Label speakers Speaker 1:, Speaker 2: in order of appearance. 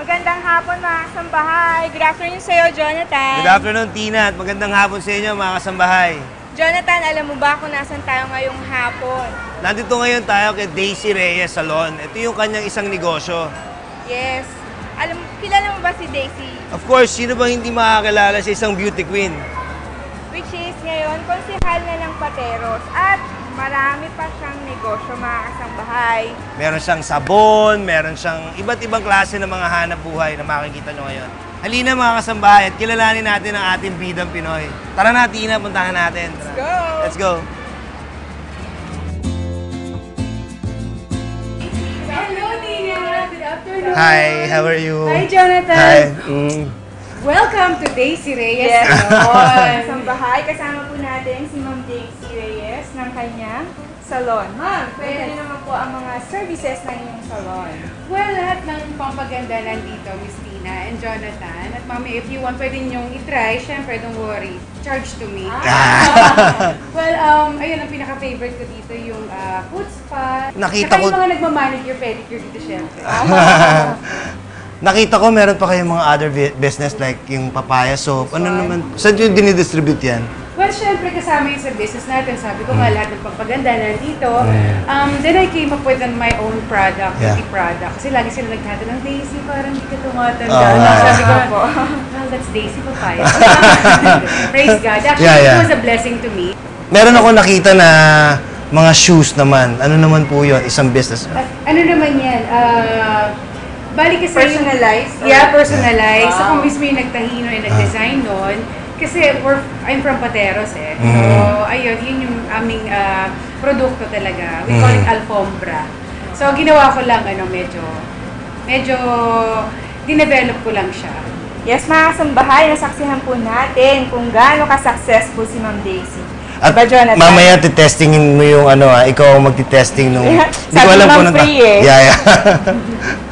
Speaker 1: Magandang hapon mga kasambahay. Good afternoon sa'yo, Jonathan.
Speaker 2: Good afternoon, Tina, at magandang hapon sa inyo, mga kasambahay.
Speaker 1: Jonathan, alam mo ba kung nasan tayo ngayong hapon?
Speaker 2: Nandito ngayon tayo kay Daisy Reyes Salon. Ito yung kanyang isang negosyo.
Speaker 1: Yes. Kilala mo ba si Daisy?
Speaker 2: Of course, sino bang hindi makakilala sa isang beauty queen?
Speaker 1: Which is ngayon, konsehal na ng Pateros. At marami pa siyang negosyo, mga kasambahay.
Speaker 2: Meron siyang sabon, meron siyang iba't ibang klase ng mga hanap buhay na makikita nyo ngayon. Halina mga kasambahay at kilalanin natin ang ating bidang Pinoy. Tara na, Tina, puntahan natin.
Speaker 1: Let's go!
Speaker 2: Let's go!
Speaker 3: Hello, Tina! Good afternoon!
Speaker 2: Hi, how are you?
Speaker 3: Hi, Jonathan!
Speaker 2: Hi.
Speaker 3: Welcome to Daisy Reyes
Speaker 1: Yes.
Speaker 3: Salon!
Speaker 1: Kasambahay, kasama po natin si Ma'am Daisy Reyes ng kanyang salon. Ma'am, pwede naman po ang mga services ng inyong salon.
Speaker 3: Well, lahat ng pampaganda nandito, Miss Tina and Jonathan. At mami, if you want, pwede niyong itry. Syempre, don't worry. Charge to me. Well, ayun, ang pinaka-favorite ko dito yung foot spa.
Speaker 2: Nakita
Speaker 3: Saka
Speaker 2: ko-
Speaker 3: yung mga nagmamanicure, pedicure dito, syempre.
Speaker 2: Nakita ko meron pa kayong mga other business like yung papaya soap. Ano naman? Saan yung dinidistribute yan?
Speaker 3: Well, syempre kasama yun sa business natin. Sabi ko nga lahat ng pampaganda nandito. Then I came up with my own product, beauty product. Kasi lagi sila nagtatanong, Daisy, parang hindi ka tumatanda. Sabi ko, well, that's Daisy Papaya. Praise God. Actually, it was a blessing to me.
Speaker 2: Meron ako nakita na mga shoes naman. Ano naman po yun? Isang business.
Speaker 3: Ano naman yan? Bali kasi
Speaker 1: Personalized?
Speaker 3: Yeah, personalized. Ako mismo yung nagtahino and nag-design nun. Kasi I'm from Pateros eh. So, ayun, yun yung aming produkto talaga. We call it Alfombra. So, ginawa ko lang, medyo dinevelop ko lang siya.
Speaker 1: Yes, mga kasambahay, nasaksihan po natin kung gaano ka-successful si Ma'am Daisy.
Speaker 2: At
Speaker 1: Diba, Jonathan?
Speaker 2: mamaya titestingin mo yung ikaw ang magti-testing nung... Hindi ko
Speaker 1: Sabi
Speaker 2: alam
Speaker 1: Ma'am
Speaker 2: kung
Speaker 1: free eh.
Speaker 2: Yeah.